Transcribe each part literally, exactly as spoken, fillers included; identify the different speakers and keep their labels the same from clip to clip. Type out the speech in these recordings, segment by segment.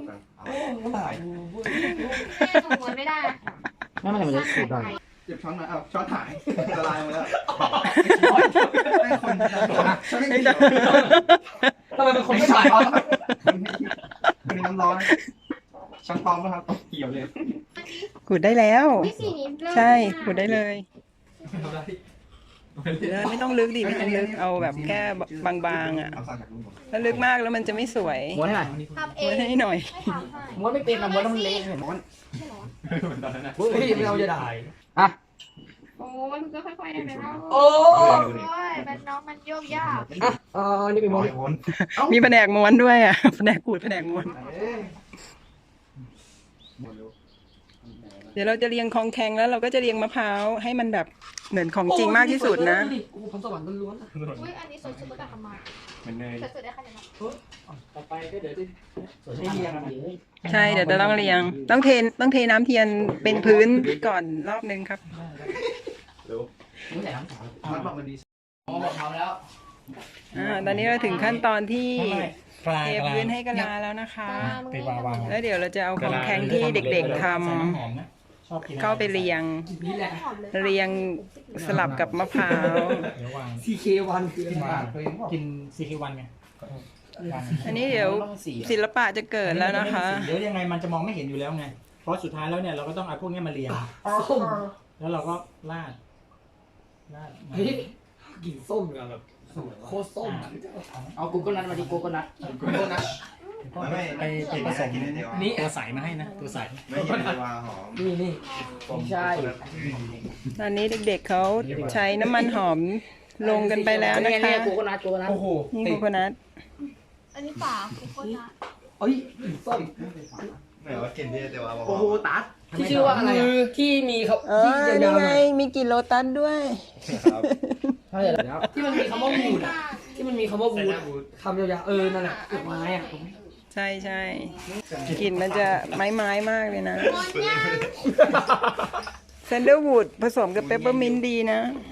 Speaker 1: กันเอา
Speaker 2: ก็ได้
Speaker 3: ส่งม้วนไม่ได้
Speaker 2: ไม่มันจะสูดได้
Speaker 1: เก็บช้อนมาเอาช้อนหายละลายหมดแล้วให้คนช้อนไม่เกี่ยว
Speaker 2: ทำไมเป็นคนไม่ใส่วะ
Speaker 1: มีน้ำร้อนช้อนปลอมป่ะครับเกี่ยวเลย
Speaker 4: ขูดได้แล้ว
Speaker 3: วิสีนี้เริ่ม
Speaker 4: ใช่ขูดได้เลยไม่ต้องลึกดิไม่ต้องลึกเอาแบบแค่บางๆอ่ะ
Speaker 1: เอาสั่งจากลุงผม
Speaker 4: ถ้าลึกมากแล้วมันจะไม่สวย
Speaker 2: ม้วนให้หน่อย
Speaker 3: ทำเอ
Speaker 4: ม้ว
Speaker 3: ง
Speaker 4: นให้หน่อย
Speaker 3: ไม่ทำให้
Speaker 2: ม้วนไม่เป็นอะม้วนต้องเละเห็นม้วน
Speaker 3: ใช่เหรอ
Speaker 2: เฮ้ยไม่เอาจะได้อ่ะ
Speaker 3: โอ้มันก็ค่อยๆได้ไหมล่ะ
Speaker 2: โอ้
Speaker 3: โอ้ยมันน้องมันโยกยาก
Speaker 2: อ่ะอ๋อนี่เป็นม้วน
Speaker 1: วน
Speaker 4: มีแผนกม้วนด้วยอ่ะแผนกขูดแผนกม้วน เดี๋ยวเราจะเรียงคองแข็งแล้วเราก็จะเรียงมะพร้าวให้มันแบบเหมือนของจริงมากที่สุดนะ
Speaker 2: โอ้ผมสวรรค์ล้วนๆอ่ะ
Speaker 3: อุ้ยอันนี้สวยสุดตั้งแต่ทำมา
Speaker 1: มันเนย
Speaker 3: สวยสุดได้ขนาดนั้น
Speaker 2: ต่อไปก็เดี๋ยวจะให้เรียง
Speaker 4: ใช่เดี๋ยวจะต้องเรียง ต้องเทต้องเทน้ำเทียนเป็นพื้นก่อนรอบนึงครับ
Speaker 1: เร็ว
Speaker 2: นี่ใส่น้ำขาว
Speaker 1: ช้อนบอกมันดี
Speaker 2: อ๋อบอกเขาแล้ว
Speaker 4: อ่าตอนนี้เราถึงขั้นตอนที่
Speaker 5: กลาง
Speaker 4: เท
Speaker 5: กลาง
Speaker 4: พื้นให้กะลาแล้วนะคะ
Speaker 5: ไปวางวาง
Speaker 4: แล้วเดี๋ยวเราจะเอาของแข็งที่เด็กๆท
Speaker 5: ใส่น้ำหอมนะชอบกิน
Speaker 4: ำเข้าไปเรียง
Speaker 2: นี่แหละ
Speaker 4: เรียงสลับกับมะพร้าว
Speaker 5: เดี๋ยววาง
Speaker 2: ซี เค วันคืออะไร
Speaker 5: กินซีคิวันไงวาง
Speaker 4: อันนี้เดี๋ยวศิลปะจะเกิดแล้วนะคะ
Speaker 5: เดี๋ยวยังไงมันจะมองไม่เห็นอยู่แล้วไง เพราะสุดท้ายแล้วเนี่ยเราก็ต้องเอาพวกนี้มาเรียง
Speaker 2: ส้ม
Speaker 5: แล้วเราก็ราดราด
Speaker 2: เฮ้ยกลิ่นส้มเลยแบบโคตรส้มเอากูก็นัดมาดิกูก็นัด
Speaker 1: กูโทษนะ
Speaker 5: ไปไปไปผสม
Speaker 2: นี่
Speaker 5: ตัวใสมาให้นะตัวใส
Speaker 1: ไม่เห็นเลยว่าหอม
Speaker 2: นี่นี่ไม่ใช่
Speaker 4: ตอนนี้เด็กๆเขาใช้น้ำมันหอมลงกันไปแล้วนะคะ
Speaker 2: กูก็นัดกูก็นัด
Speaker 5: โอ้โห
Speaker 4: นี่โคโคนัท
Speaker 3: อันนี้ฝาโคโค่นะ
Speaker 2: เอ้ยกลิ่นส้ม
Speaker 1: ไม่ว่ากินที่แต่ว่า
Speaker 2: โอ้โหตัดที่ชื่อว่าอะไรที่มีเขา
Speaker 4: เออ
Speaker 2: ที่
Speaker 4: นี่
Speaker 2: ยาวๆห
Speaker 4: ไง
Speaker 2: น่อย
Speaker 4: มีกลิ่นโลตัสด้วย
Speaker 1: ครับ
Speaker 2: ใช่แล้วที่มันมีคำว่าวูดอ่ะที่มันมีคำว่าวูดคำยาวๆเออนั่นแหละดอกไม้อ่ะ
Speaker 4: ใช่ใช่กลิ่นมันจะไม้ไม้ๆมากเลยนะ
Speaker 3: ม้วนยาก
Speaker 4: เซนเดอร์วูดผสมกับเปปเปอร์มินต์ดีนะ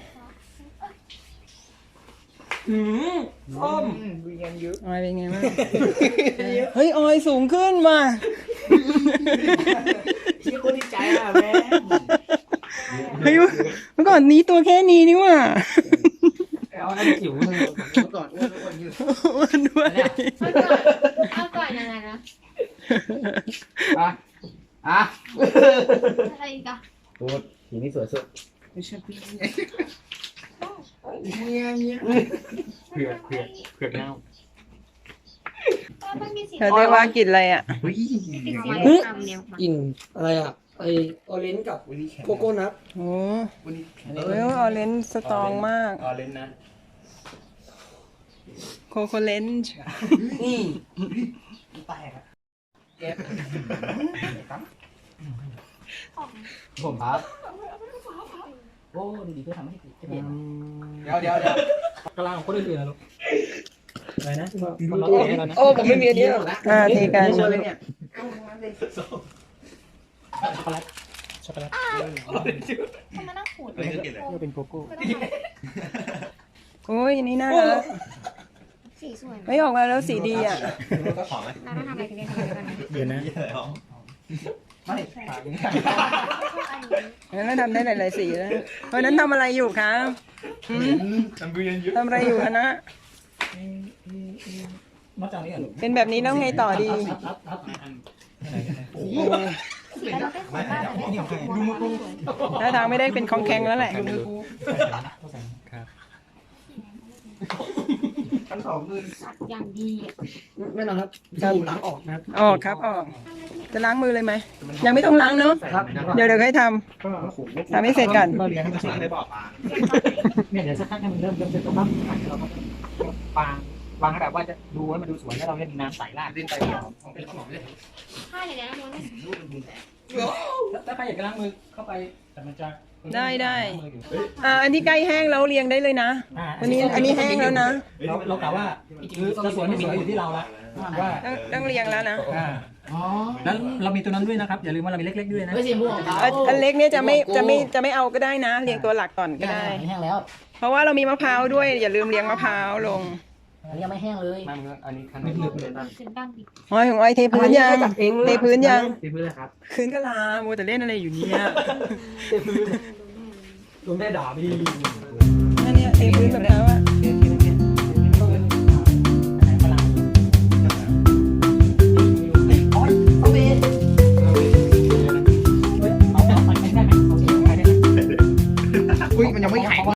Speaker 2: หืมส้ม
Speaker 4: ออยเป็นไงบ้าง เฮ้ยออยสูงขึ้นมา
Speaker 2: ที่คนดีใจอ่ะแม่
Speaker 4: เฮ้ยเมื่อก่อนนี้ตัวแค่นี้นี่หว่า
Speaker 2: เอาอันจิ๋วเลย
Speaker 1: ก่อนอ้วนอ้วนยืด
Speaker 4: อ้วนด้วย
Speaker 3: เอาก่อนเอาก่อนยังไงนะ
Speaker 2: อ่ะอ่ะ
Speaker 3: อะไรอีกอะ
Speaker 2: โอ้สีนี้สวยสุด
Speaker 1: ไม่ใช่พี่
Speaker 5: เผือกเผือกเผือกเน่า
Speaker 3: มันมีสี
Speaker 4: เธอเรียกว่ากลิ่นอะไรอ่ะ
Speaker 1: อุ้ย
Speaker 3: สีสวยงามเนี่ย
Speaker 2: กลิ่นอะไรอ่ะไอออเรนจ์กับโกโก้นัท
Speaker 4: โอ้
Speaker 1: วันนี้
Speaker 4: เฮ้ยออเรนจ์สตรองมาก
Speaker 5: ออเรนจ์นะ
Speaker 4: โคโคเลนจ์
Speaker 2: นี่
Speaker 1: แตกอะ
Speaker 2: เก็บผมครับโอ้ดีๆเพื่อทำให้ติดจะเปลี่ยนเดี๋ยวเดี๋ยวเดี๋ยว
Speaker 5: กลางของคนอื่นๆนะลูกอะไรนะ
Speaker 2: โอ้ผมไม่มีอันนี้หรอกนะ
Speaker 4: อ่าเทกัน
Speaker 2: ช็อกโกแลต
Speaker 5: ช็อกโกแลต
Speaker 3: ทำไมนั่งขูด
Speaker 1: ไม่ได้กินเลย
Speaker 5: ก็เป็นโกโก้
Speaker 4: โอ้ยอันนี่น่ารัก
Speaker 3: สีสวย
Speaker 4: ไม่ออกมาแล้วสีดีอ่ะ
Speaker 1: ก็ของไหม
Speaker 3: เราต้องทำอะไรกันเนี่ยทำอะไรกันนะ
Speaker 5: เดี๋ยวนะ
Speaker 1: ยี่อะไรหรอไม่
Speaker 4: งั้นเราทำได้หลายๆสีแล้วเพราะฉะนั้นทำอะไรอยู่คะหืม
Speaker 1: ทำบุญเยอะ
Speaker 4: ทำอะไรอยู่คะนะ
Speaker 5: นอกจากนี้อ่ะ
Speaker 4: เป็นแบบนี้แล้วไงต่อดี
Speaker 5: โอ้โห
Speaker 3: สีเราได้ขูดได้แต่ไม่ได้ขูดดูมือกู
Speaker 4: ถ้าทางไม่ได้เป็นของแข็งแล้วแหละ
Speaker 5: ครับ
Speaker 1: ทั้งสองมือ
Speaker 3: อย่างดีอะ
Speaker 2: ไม่นอนครับดูหลังออกนะครับ
Speaker 4: ออกครับออก จะล้างมือเลยไหม ยังไม่ต้องล้างเนอะ
Speaker 2: ครับ
Speaker 4: เดี๋ยวเดี๋ยวให้ทำทำให้เสร็จก่อน
Speaker 5: เราเลี้ยงให้มันสุก
Speaker 1: ได้บอกปลา
Speaker 5: เนี่ยเดี๋ยวสักพักให้มันเริ่มเริ่มเสร็จแล้วปั๊บเราก็วางวางให้แบบว่าจะดูให้มันดูสวยแล้วเราเนี่ยมีน้ำใสราด
Speaker 1: ดิ้นไปเป็นขนมเลย
Speaker 3: ถ้าอย่างนี้นม้วนไม่
Speaker 5: ถ้าใครอยากจะล้างมือเข้าไปแต่มันจะ
Speaker 4: ได้ได้ อ่าอันที่ใกล้แห้งแล้วเรียงได้เลยนะ อันนี้อันนี้แห้งแล้วนะ
Speaker 5: เราเรากะว่าคือจะสวยไม่สวยอยู่ที่เราละว่า
Speaker 4: ต้องต้องเรียงแล้วนะ
Speaker 5: อ่าแล้วเรามีตัวนั้นด้วยนะครับอย่าลืมว่าเรามีเล็กๆด้วยนะ
Speaker 2: ไม่ใช่ม่วงครับ
Speaker 4: อันอันเล็กเนี่ยจะไม่จะไม่จะไม่เอาก็ได้นะ เรียงตัวหลักก่อนก็ได้
Speaker 2: แห้งแล้ว
Speaker 4: เพราะว่าเรามีมะพร้าวด้วย อย่าลืมเรียงมะพร้าวลง
Speaker 2: อันนี้ยังไม่แห้งเลย
Speaker 5: มามึงอันนี้คัน
Speaker 1: ไม่
Speaker 5: นี้
Speaker 1: ลึกเลยนะ
Speaker 3: เป็นบ้างดิ
Speaker 4: อ้อยของอ้อยเทพื้นยัง
Speaker 2: จับเอง
Speaker 4: เทพื้นยัง
Speaker 5: ตีมือเลยครับ
Speaker 4: พื้นก็ลาโมวแต่เล่นอะไรอยู่เนี่ย
Speaker 2: เต็มพื้นลุงได้ด่าพี่
Speaker 4: นั่นเนี่ยเทพื้นแบบแล้วอะ
Speaker 2: เ